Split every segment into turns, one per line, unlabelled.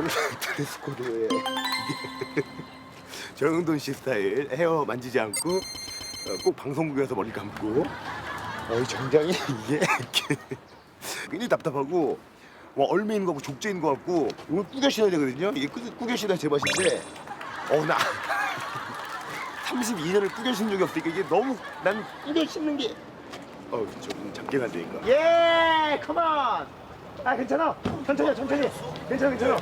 드레스 코드에 정영돈 씨 스타일 헤어 만지지 않고 꼭 방송국에서 머리 감고 이 정장이 이게 굉장히 답답하고 얼매 있는 거 같고 족제 있는 거 같고 이걸 꾸겨 신어야 되거든요. 이게 꾸겨 신어야 제맛인데 나 32년을 꾸겨 신은 적이 없으니까 이게 너무 난 꾸겨 신는 게 좀 작게 가야 되니까. 예, 컴온. 괜찮아. 천천히. 괜찮아.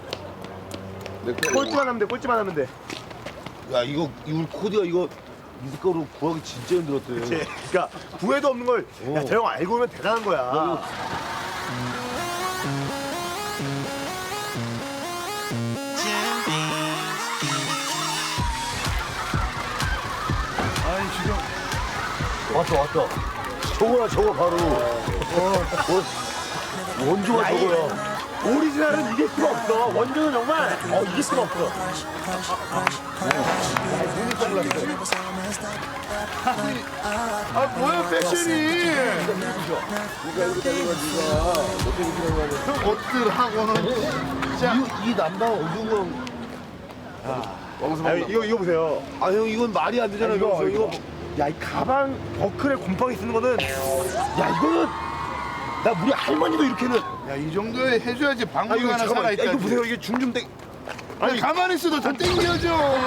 꼴찌만 하면 돼.
야 이거 코디가 이거 미숫가루 구하기 진짜 힘들었대.
그치? 그러니까 구애도 없는 걸 야, 저 형 알고 오면 대단한 거야.
왔다. 저거 바로. 원조가 저거야.
오리지널은 이길 수가 없어. 원조는 정말 이길 수가 없어.
뭐야 패션이?
네가
옷들하고는
이 남방 어두운
이거 보세요.
형 이건 말이 안 되잖아.
이거. 야, 이 가방 버클에 곰팡이 쓰는 거는 이거는 나 우리 할머니도 이렇게는
야이 정도에 해줘야지 방법이 하나 살아있다.
이거 보세요. 이게 중좀 땡.
아니 가만히 있어도 다 땡겨져.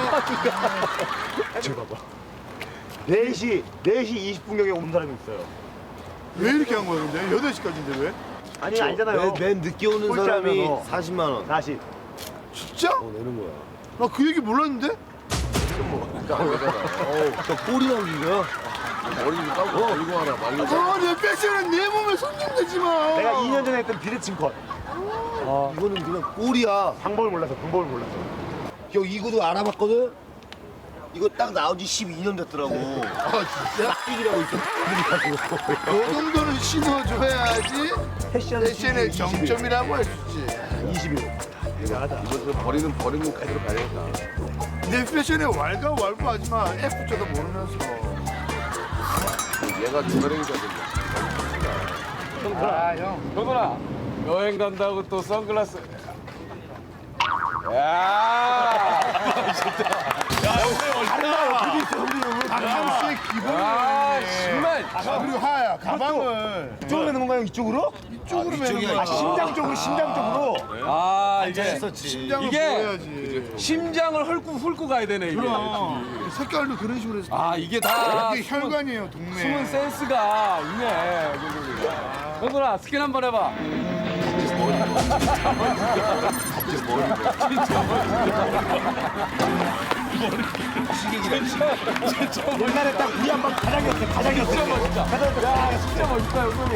저 봐봐. 4시 20분경에 온 사람이 있어요.
왜 이렇게 한 거야 근데? 8시까지인데 왜?
아니잖아요.
맨 늦게 오는
꼴찌하면
사람이 40만 원.
다시.
진짜?
내는 거야.
나 그 얘기 몰랐는데?
저 꼬리 남긴 거야? 머리 좀 감고 들고 와라. 말로.
내 패션은 내 몸에 손님되지 마.
내가 2년 전에 했던 비대칭 컷.
이거는 그냥 꼬리야.
방법을 몰라서.
형 이거도 알아봤거든? 이거 딱 나온 지 12년 됐더라고.
진짜?
삑이라고 있어.
그 정도는 신어줘야지
패션은
패션의 정점이라고 할 수 있지.
20일. 대단하다.
이거 버리는 카드로 가야겠다.
내 패션에 왈가왈부하지 마. F조도 모르면서.
얘가 주가랭이가 된다.
형.
형들아 여행 간다고 또 선글라스 야
박명수의 기본이네.
정말
그리고 하야 가방을
이쪽으로 매는 건가요? 이쪽으로?
이쪽으로 매는
이쪽이야,
거야.
심장 쪽으로.
이게
심장을
이게
보여야지.
심장을 훑고 가야 되네 이게
그럼 색깔도 그런 식으로 해서.
이게 다
이게 혈관이에요 동네.
숨은 센스가 있네 형들아 스캔 한번 해봐
옛날에 딱 우리 한방 가장이었어.
진짜 멋있다 야 진짜 멋있다 형들이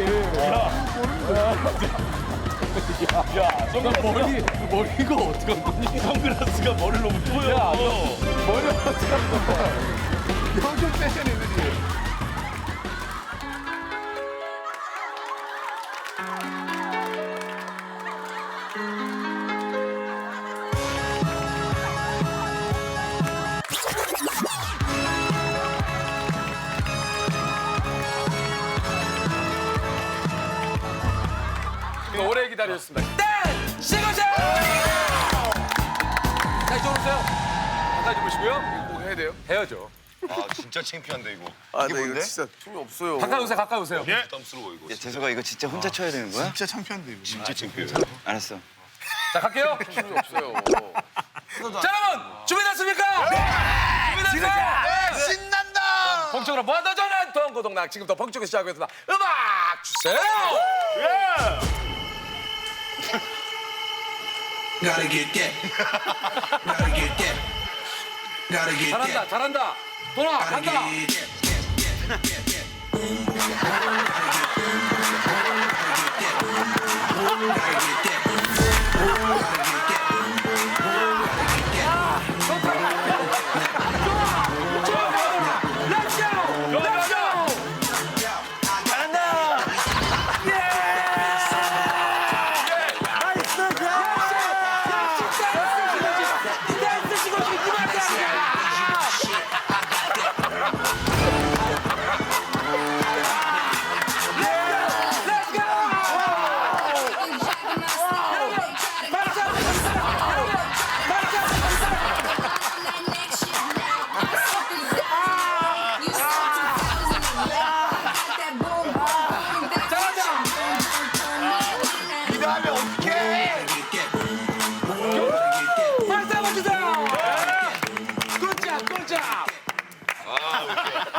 머리가 어떻게 한 거니? 선글라스가 머리를 너무 보여 야 머리가 어떻게 한 거야
평균 패션이지.
오래 기다렸습니다. 땡! 시그널! 자, 이쪽으로 오세요. 가까이 보시고요. 이거 꼭 해야 돼요? 해야죠.
진짜 창피한데 이거.
나 이거 진짜 춤이 없어요.
가까이 오세요.
부담스러워 이거.
야, 재석아 이거 진짜 혼자 쳐야 되는 거야?
진짜 창피한데 이거.
진짜 창피해.
알았어.
자, 갈게요.
춤이 없어요.
자, 여러분! 준비됐습니까? 네! 준비됐어요?
신난다.
본격으로 무한도 전환 동고동락 지금부터 본격으로 시작하겠습니다. 음악 주세요!
Gotta get that. Gotta get that. Gotta get that.
잘한다. 도나,
Gotta
간다.
get that.
아,